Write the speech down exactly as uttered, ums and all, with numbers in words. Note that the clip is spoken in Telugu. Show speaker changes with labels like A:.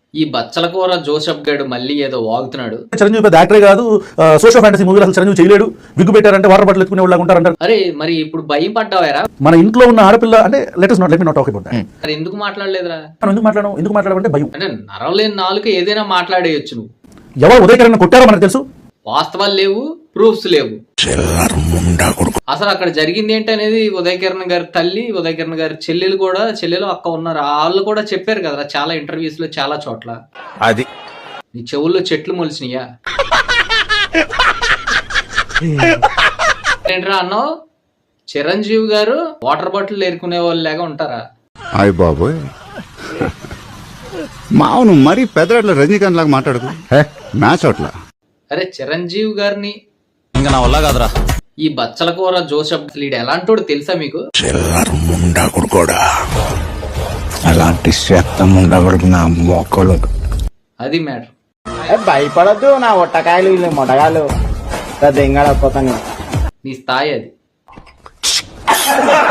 A: ఈ బచ్చల కూర జోసెఫ్ గడు మళ్ళీ ఏదో వాగుతున్నాడు.
B: చిరంజీవి పెద్ద యాక్టరే కాదు, సోషల్ ఫ్యాంటసీ మూవీలు అసలు చిరంజీవి చేయలేడు, విగ్గు పెట్టారంటే వాటర్ బాటిల్ ఎత్తుకునే వాళ్ళు ఉంటారంటారు.
A: అరే మరి ఇప్పుడు భయం పడ్డావారా?
B: మన ఇంట్లో ఉన్న ఆడపిల్ల అంటే let not let me not talk about that.
A: మరి ఎందుకు మాట్లాడలేదురా?
B: మనం ఎందుకు మాట్లాడడం ఎందుకు మాట్లాడమంటే భయం.
A: అంటే నరవలేని నాలుగు ఏదైనా మాట్లాడేయచ్చు. నువ్వు
B: ఎవరు ఉదయకరణ కొట్టారో మనకు తెలుసు,
A: వాస్తవాలు లేవు, ప్రూఫ్స్ లేవు. అసలు అక్కడ జరిగింది ఏంటి అనేది ఉదయ్ కిరణ్ గారి తల్లి, ఉదయ్ కిరణ్ గారి చెల్లెలు కూడా చెల్లెలు అక్క ఉన్నారు, వాళ్ళు కూడా చెప్పారు కదా చాలా ఇంటర్వ్యూస్ లో చాలా చోట్ల.
C: అది
A: నీ చెవుల్లో చెట్లు మొలిసినయా ఏంట్రా అన్నావు? చిరంజీవి గారు వాటర్ బాటిల్ ఏరుకునే వాళ్ళు లాగా ఉంటారా?
C: అయ్య బాబోయ్, మావును మరీ పెద్దరాట్ల రజనీకాంత్ లాగా మాట్లాడుకు మ్యాచ్ అట్లా.
A: అరే చిరంజీవి గారిని
D: ఇంకా నా వల్ల కాదురా.
A: ఈ బచ్చల కూర జోసెఫ్ లీడ్ ఎలాంటోడు తెలుసా మీకు?
E: అలాంటి శాతం ఉండకూడదు నా మొక్కలు.
A: అది మ్యాటర్.
F: భయపడద్దు నా ఒట్టకాయలు వీళ్ళు మొట్టగాయలు దెంగడపోతాను.
A: నీ స్థాయి అది.